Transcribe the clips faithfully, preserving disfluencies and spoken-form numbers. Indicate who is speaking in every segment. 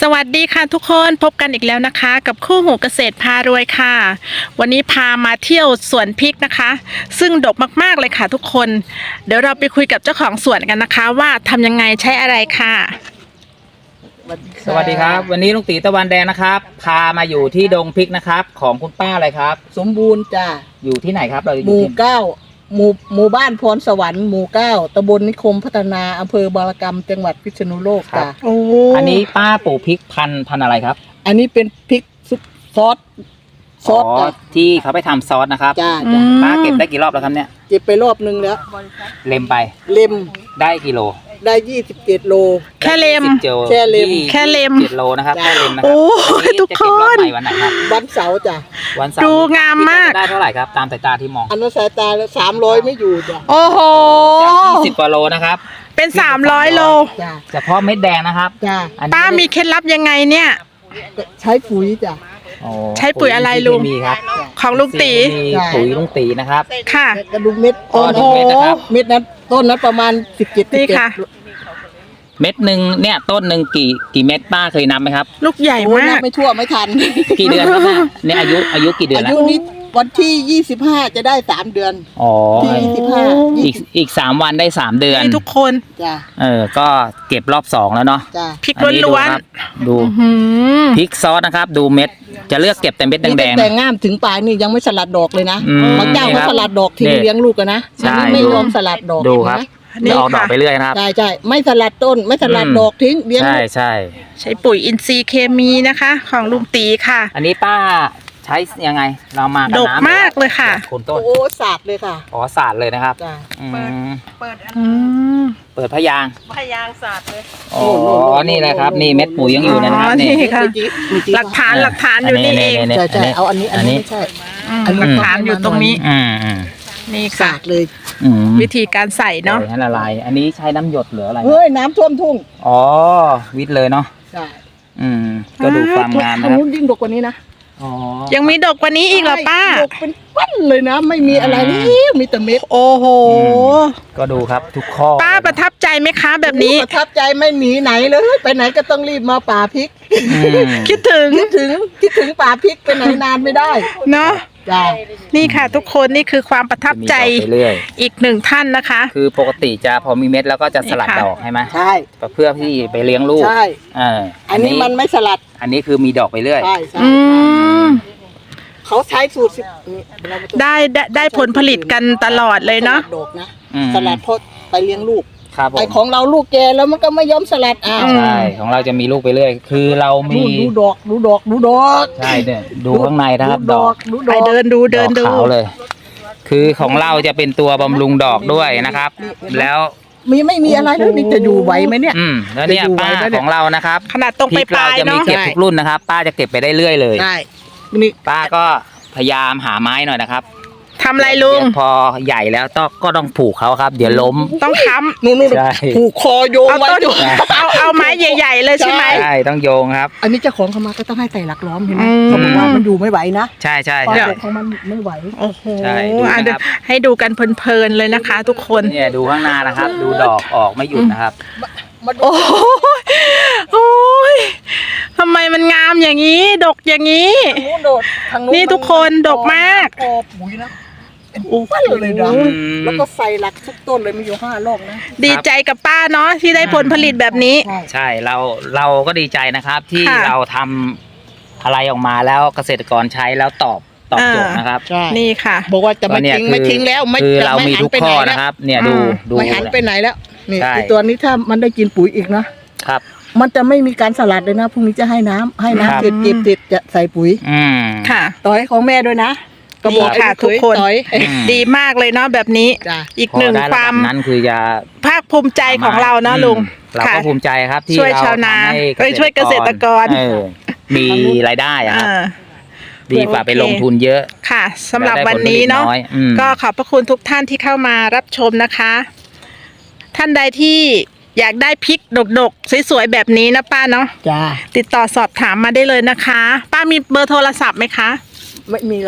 Speaker 1: สวัสดีค่ะทุกคนพบกันอีกแล้วนะคะกับคู่หูเกษตรพารวยค่ะวันนี้พามาเที่ยวสวนพริกนะคะซึ่งดกมากๆเลยค่ะทุกคนเดี๋ยวเราไปคุยกับเจ้าของสวนกันนะคะว่าทำยังไงใช้อะไรค่ะ
Speaker 2: สวัสดีครับวันนี้ลุงตีตะวันแดงนะครับพามาอยู่ที่ดงพริกนะครับของคุณป้าอะไรครับ
Speaker 3: สมบูรณ์จ้า
Speaker 2: อยู่ที่ไหนครับเราอยู่
Speaker 3: หมู่
Speaker 2: ที่
Speaker 3: เก้าหมู่หมู่บ้านพรสวรรค์หมู่เก้าตำบลนิคมพัฒนาอำเภอบารกรรมจังหวัดพิษณุโลกจ้า
Speaker 1: โอ้
Speaker 2: อันนี้ป้าปลูกพริกพันธุ์พันธุ์อะไรครับ
Speaker 3: อันนี้เป็นพริกซุปซอสซอสจ้ะ
Speaker 2: ที่เขาไปทำซอสนะครับ
Speaker 3: จ้าจ้า
Speaker 2: ป้าเก็บได้กี่รอบแล้วครับเนี่ย
Speaker 3: เก็บไปรอบนึงแล้ว
Speaker 2: เล็มไป
Speaker 3: เล็ม
Speaker 2: ได้กี่โล
Speaker 3: ได้ยี่สิบเจ็ดโล
Speaker 1: แค่เล็ม
Speaker 3: แค่เล็ม
Speaker 1: แค่เล็ม
Speaker 2: เจ็ดโลนะครับแค่เล็มนะครั
Speaker 1: โอ้ทุกคน
Speaker 2: จะเก็บรอบใหม่วันไหนครับ
Speaker 3: วันเสาร์จ้ะ
Speaker 2: วันเสาร์
Speaker 1: ดูงามมาก
Speaker 2: ได้เท่าไหร่ครับตามสายตาที่มอง
Speaker 3: อันนั้นสายตาแล้วสามร้อยไม่อยู่จ้ะ
Speaker 1: โอ้โห
Speaker 2: จากยี่สิบกว่าโลนะครับ
Speaker 1: เป็นสามร้อยโล
Speaker 3: จ้า
Speaker 2: เฉพาะเม็ดแดงนะครับ
Speaker 3: จ้า
Speaker 1: ป้ามีเคล็ดลับยังไงเนี่ย
Speaker 3: ใช้ปุ๋ยจ้ะ
Speaker 1: ใช้ปุ๋ยอะไรลุง
Speaker 2: มีครับ
Speaker 1: ของลุงตี
Speaker 2: มีปุ๋ยลุงตีนะครับ
Speaker 1: ค่ะ
Speaker 3: กระดุมเม็ด
Speaker 1: โอ้โห
Speaker 3: เม็ดนั้นต้นนั้นประมาณสิบเจ็ด
Speaker 1: นี่ค่ะ
Speaker 2: เม็ดหนึ่งเนี่ยต้นหนึ่งกี่กี่เม็ดป้าเคยนับไหมครับ
Speaker 1: ลูกใหญ่มาก
Speaker 3: ไม่ทั่วไม่ทัน
Speaker 2: กี่เดือนครับเนี่ยอายุอายุกี่เดือนแล้ว
Speaker 3: อายุนี้วันที่ยี่สิบห้าจะได้สามเดือน
Speaker 2: อ๋อ
Speaker 3: ที่ยี่สิบห้า
Speaker 2: อีกอีกสามวันได้สามเดือน
Speaker 1: ทุกคน
Speaker 3: จ้า
Speaker 2: เออก็เก็บรอบสองแล้วเนาะ
Speaker 3: จ้า
Speaker 1: พริกล้วน
Speaker 2: ๆดูพริกซอสนะครับดูเม็ดจะเลือกเก็บแต่เม็ดแดงๆ
Speaker 3: แต่ง่ามถึงปลายนี่ยังไม่สลัดดอกเลยนะบางเจ้าเขาสลัดดอกทิ้งเลี้ยงลูกกันนะอันนี้ไม่ยอมสลัดดอก
Speaker 2: ดูครับจะออกดอกไปเรื่อยนะครับ
Speaker 3: ใช่ใช่ไม่สลัดต้นไม่สลัดดอกทิ้งเลี้ยง
Speaker 2: ใช่ใช่
Speaker 1: ใช้ปุ๋ยอินทรีย์เคมีนะคะของลุงตีค่ะ
Speaker 2: อันนี้ป้าใช้ยังไงเรามา
Speaker 1: ดกมากเลยค่ะ
Speaker 2: โคนต้น
Speaker 3: โอ้สาดเลยค่ะ
Speaker 2: อ๋อสาดเลยนะครับ
Speaker 3: เปิด
Speaker 1: เปิด
Speaker 2: เปิดพยาง
Speaker 1: พยางสาดเลย
Speaker 2: อ๋อนี่แหละครับนี่เม็ดปุ๋ยยังอยู่นะครับนี่
Speaker 1: ค่ะหลักฐานหลักฐานอยู่นี่เอง
Speaker 3: ใช่ใช่เอาอันนี้อันนี้ไม่ใช่
Speaker 1: หลักฐานอยู่ตรงนี้
Speaker 2: อืม
Speaker 1: นี่ค่ะ
Speaker 3: เลย
Speaker 1: วิธีการใส่เนาะ
Speaker 2: ให้ละลายอันนี้ใช้น้ำหยดหรืออะไร
Speaker 3: เฮ้ยน้ำท่วมทุ่ง
Speaker 2: อ๋อวิทย์เลยเนาะ
Speaker 3: ใช่
Speaker 2: อืมก็ดูความงาม
Speaker 3: นะครับยิ่งดกกว่านี้นะ
Speaker 2: อ๋อ
Speaker 1: ยังมีดกกว่านี้อีกเหรอป้า
Speaker 3: ดกเป็นปั้นเลยนะไม่มีอะไรนี่มีแต่เม็ด
Speaker 1: โอ้โห
Speaker 2: ก็ดูครับทุกข้อ
Speaker 1: ป้าประทับใจไหมคะแบบนี้
Speaker 3: ประทับใจไม่หนีไหนเลยไปไหนก็ต้องรีบมาป่าพริก
Speaker 1: คิดถึง
Speaker 3: คิดถึงคิดถึงป่าพริกไปไหนนานไม่ได้
Speaker 1: เนาะนี่ค่ะทุกคนนี่คือความประทับใจอีกหนึ่งท่านนะคะ
Speaker 2: คือปกติจะพอมีเม็ดแล้วก็จะสลัดดอกใช่ไหม
Speaker 3: ใช่
Speaker 2: เพื่อที่ไปเลี้ยงลูก
Speaker 3: ใช่
Speaker 2: เออ
Speaker 3: อันนี้มันไม่สลัด
Speaker 2: อันนี้คือมีดอกไปเรื่อย
Speaker 3: ใช่ใช่เขาใช้สูตร
Speaker 1: ได้ได้ผลผลิตกันตลอดเลยเนาะ
Speaker 3: ดอกนะสลัดเพราะไปเลี้ยงลูก
Speaker 2: ครับ
Speaker 3: ไอของเราลูกแกแล้วมันก็ไม่ยอมสลัดอ่า
Speaker 2: ใช่ของเราจะมีลูกไปเรื่อยคือเรามี
Speaker 3: ดูดอกดูดอกดูดอก
Speaker 2: ใช่เนี่ยดูข้างในนะครับดอก
Speaker 1: ไปเดินดูเดินดู
Speaker 2: ขาวเลยคือของเราจะเป็นตัวบำรุงดอกด้วยนะครับแล้ว
Speaker 3: มีไม่มีอะไรแล้วนี่จะอยู่ไหวไหมเนี่ย
Speaker 2: อืมแล้วเนี่ยป้าของเรานะครับ
Speaker 1: ขนาดตรงไปปลาย
Speaker 2: เนาะจะมีเก็บทุกรุ่นนะครับป้าจะเก็บไปได้เรื่อยเลย
Speaker 3: ใช่นี่
Speaker 2: ป้าก็พยายามหาไม้หน่อยนะครับ
Speaker 1: ทำอะไรลุง
Speaker 2: พอใหญ่แล้วต้องก็ต้องผูกเขาครับเดี๋ยวล้ม
Speaker 1: ต้องค้ำ
Speaker 3: นู่นๆผูกคอโยงไว้
Speaker 1: เอาเอาไม้ใหญ่ๆเลยใช่ไหม
Speaker 2: ใช่ต้องโยงครับ
Speaker 3: อันนี้เจ้าของเขามาก็ต้องให้ใส่หลักล้อมเห็นไหมเขาบอกว่ามันอยู่ไม่ไหวนะ
Speaker 2: ใช่ใช่
Speaker 3: ใช่ของมันไม่ไหว
Speaker 1: โอ้โหให้ดูกันเพลินๆเลยนะคะทุกคน
Speaker 2: เนี่ยดูข้างหน้านะครับดูดอกออกไม่หยุดนะครับ
Speaker 1: โอ้โหทำไมมันงามอย่างนี้ดกอย่างนี้นี่ทุกคนดกมาก
Speaker 3: ปุ๋ยนะโอ้ปั้นเลยนะแล้วก็ใส่หลักทุกต้นเลยมีอยู่ห้ารอบนะ
Speaker 1: ดีใจกับป้าเนาะที่ได้ผลผลิตแบบนี้
Speaker 2: ใช่เราเราก็ดีใจนะครับที่เราทำอะไรออกมาแล้วเกษตรกรใช้แล้วตอบตอบโจทย์นะครับ
Speaker 1: นี่ค่ะ
Speaker 3: บอกว่าจะไม่ทิ้งไม่ทิ้งแล้วไม่
Speaker 2: คือเรามีทุกข้อนะครับเนี่ยดูดู
Speaker 3: ไม่หันไปไหนแล้วนี่ตัวนี้ถ้ามันได้กินปุ๋ยอีกนะครับมันจะไม่มีการสลัดเลยนะพรุ่งนี้จะให้น้ำให้น้ำเสร็จเก็บเสร็จจะใส่ปุ๋ย
Speaker 2: อืม
Speaker 1: ค่ะ
Speaker 3: ต่อให้ของแม่ด้วยนะ
Speaker 1: ก็บอกค่ะทุกคนดีมากเลยเนาะแบบนี้อีกหนึ่งความ
Speaker 2: นั้นคือจะ
Speaker 1: ภาคภูมิใจของเราเนาะลุง
Speaker 2: เราก็ภูมิใจครับที่
Speaker 1: ช่วยชาวนาช่วยเกษตรกร
Speaker 2: มีรายได้ครับดีกว่าไปลงทุนเยอะ
Speaker 1: ค่ะสำหรับวันนี้เนาะก็ขอบพระคุณทุกท่านที่เข้ามารับชมนะคะท่านใดที่อยากได้พริกดกๆสวยๆแบบนี้นะป้าเนาะ
Speaker 3: จ้า
Speaker 1: ติดต่อสอบถามมาได้เลยนะคะป้ามีเบอร์โทรศัพท์ไหมคะ
Speaker 3: ไม่มีหรอก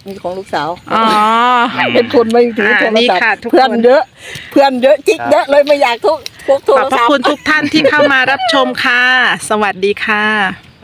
Speaker 3: มีของลูกสาว
Speaker 1: อ๋อ
Speaker 3: เป็นคนไม่ถือโทร
Speaker 1: นี่
Speaker 3: ศัพ
Speaker 1: ค่ะ
Speaker 3: ท์
Speaker 1: ทุกคน
Speaker 3: เพื่อนเยอะ เพื่อนเยอะจิ๊กเยอะเลยไม่อยากทุกพวกโท
Speaker 1: ข
Speaker 3: ร
Speaker 1: อบพระ
Speaker 3: ศัพท์
Speaker 1: คุณทุกท่านที่เข้ามารับชมค่ะ สวัสดีค่ะ